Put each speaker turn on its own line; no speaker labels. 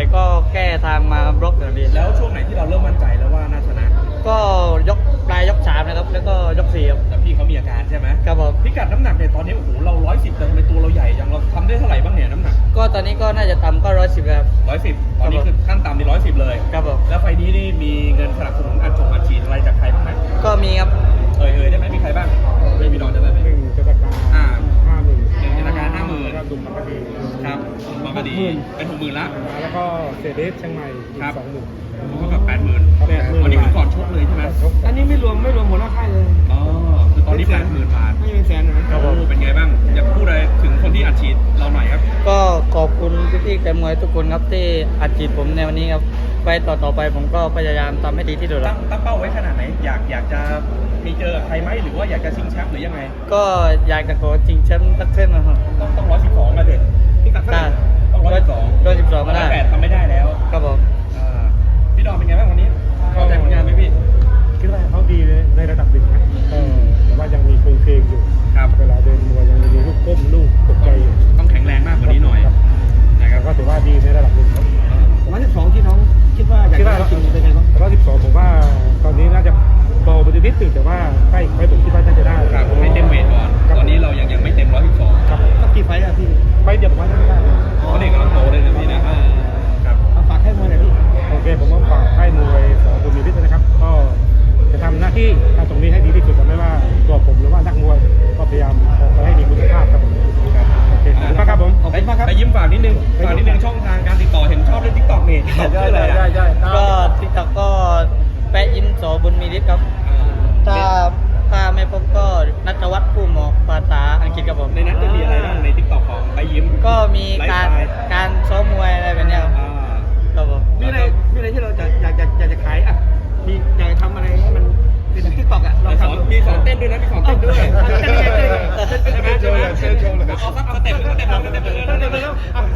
ก็แก้ทางมาบล็อกอย่างดี
แล้วช่วงไหนที่เราเริ่มมั่นใจแล้วว่าน่าชนะ
ก็ยกปลายยก3นะครับแล้วก็ยก4ครับ
แต่พี่เขามีอาการใช่ไหม
ครับผม
พิกัดน้ำหนักเนี่ยตอนนี้โอ้โหเรา110แต่ทำไมตัวเราใหญ่จังเราทำได้เท่าไหร่บ้างเนี่ยน้ำหนัก
ก็ตอนนี้ก็น่าจะต่ำก็110ครับ
110ตอนนี้คือขั้นต่ำนี่110เลย
ครับผม
แล้วไฟล์นี้นี่มีเงินสนับสนุนอัดฉีดอะไรจากใครบ้างไหม
ก็มีครับ
ได้ไหมมีใครบ้างไม่มีนอนได้ไหม
หนึ่งจัตการ
อ่า
50,000
หนึ่งธนาคาร50,000
แล้วดุมบางกะดี
ครับบางกะดีเป็น60,000ละ
แล้วก็เซเดสเชียงใหม่อีก
ครับ
20,000
เท่ากับ80,000วันนี้คือก่อนชกเลยใช่ไหม
อันนี้ไม่รวมหัวหน้าค่ายเลย
อ๋อคือตอนนี้80,000 บาท
ไม่เป็นแสนนะครับ
โอ้เป็นไงบ้างอยากพูดอะไรถึงคนที่อัดฉีดเราหน่อยครับ
ก็ขอบคุณพี่ๆแฟนมวยทุกคนครับที่อัดฉีดผมในวันนี้ครับไปต่อไปผมก็พยายามทำให้ดีที่สุดค
ตั้
รั
ง
บ
ตั้งเป้าไว้ขนาดไหนอยากจะมีเจอกับใครไหมหรือว่าอยากจะชิงแชมป์หรือยังไง
ก็อยากจะขอชิงแชมป์สักเส้นนะครับ
ต้อง112มาเด็ดพี่กัดเท่าไหร่ต้อง112
112ก็ได้
108ทำไม่ได้แล้ว
ครับผม
พี่ดอมเป็นไงบ้างวันนี้พอใจผลงานไหมพี่
คิดว่าเขาดีในระดับหนึ่งนะแต่ว่ายังมีโครงเพลงอยู่
ครับ
เวลาเดินมวยยังมีลูกก้มลูกตกใจอยู่
ต้องแข็งแรงมากกว่านี้หน่อยนะค
แต่
รับ
ก็ถือว่าดีในระดับหนึ่งครับ
112ที่น้องคิดว่าอยากจะชิงเป็นไงบ้าง
112ผมว่าตอนนี้น่าจะเบาไปนิดนึงแต่ว่าใกล้ไฟผมคิดว่าน่าจะได้
ครับให้เต็มเวทก่อนตอนนี้เรายังไม่เต็ม112
ครับ
สักกี่ไฟต์อะพี่
ไฟเดียวผมว่าน่าจะได้
เพราะเด็กกำลังโตเลยนะพี่นะครับ
เอาฝากให้มวยหน่อยพี่
โอเคผมก็ฝากค่ายมวยสบุญมีฤทธิ์นะครับ ก็จะทำหน้าที่ตรงนี้ให้ดีที่สุดไม่ว่าตัวผมหรือว่านักมวยก็พยายามออกไปให้มีคุณภาพครับผมโอเคขอบคุณมากครับผม
ขอบคุณมากครับ
ไปยิ้มฝากนิดนึงช่องทางการติดต่อเห็นชอบเล่นทิกตอกนี่ชื่ออะไรอ่ะ
ก็ทิกตอกก็แปะยิ้มสอบุญมีฤทธิ์ครับถ้าไม่พบก็นัทวัฒน์ผู้หมอกภาษาอังกฤษครับผม
ในนั้นจะมีอะไรบ้างในทิกตอกของไปยิ้ม
ก็มีการซ้อมมวยอะไรแบบเนี้ยครับครับผม
มีอะไรที่เราอยากจะขายอ่ะมีอยากจะทำอะไรให้มันเป็นทิกตอกอ่ะเราทำ
มีสอนเต้นด้วยนะมีสอนเต้นด้วย
เต้นยังไง
ใช่ไหมเอาสักสเต็ปหนึ่ง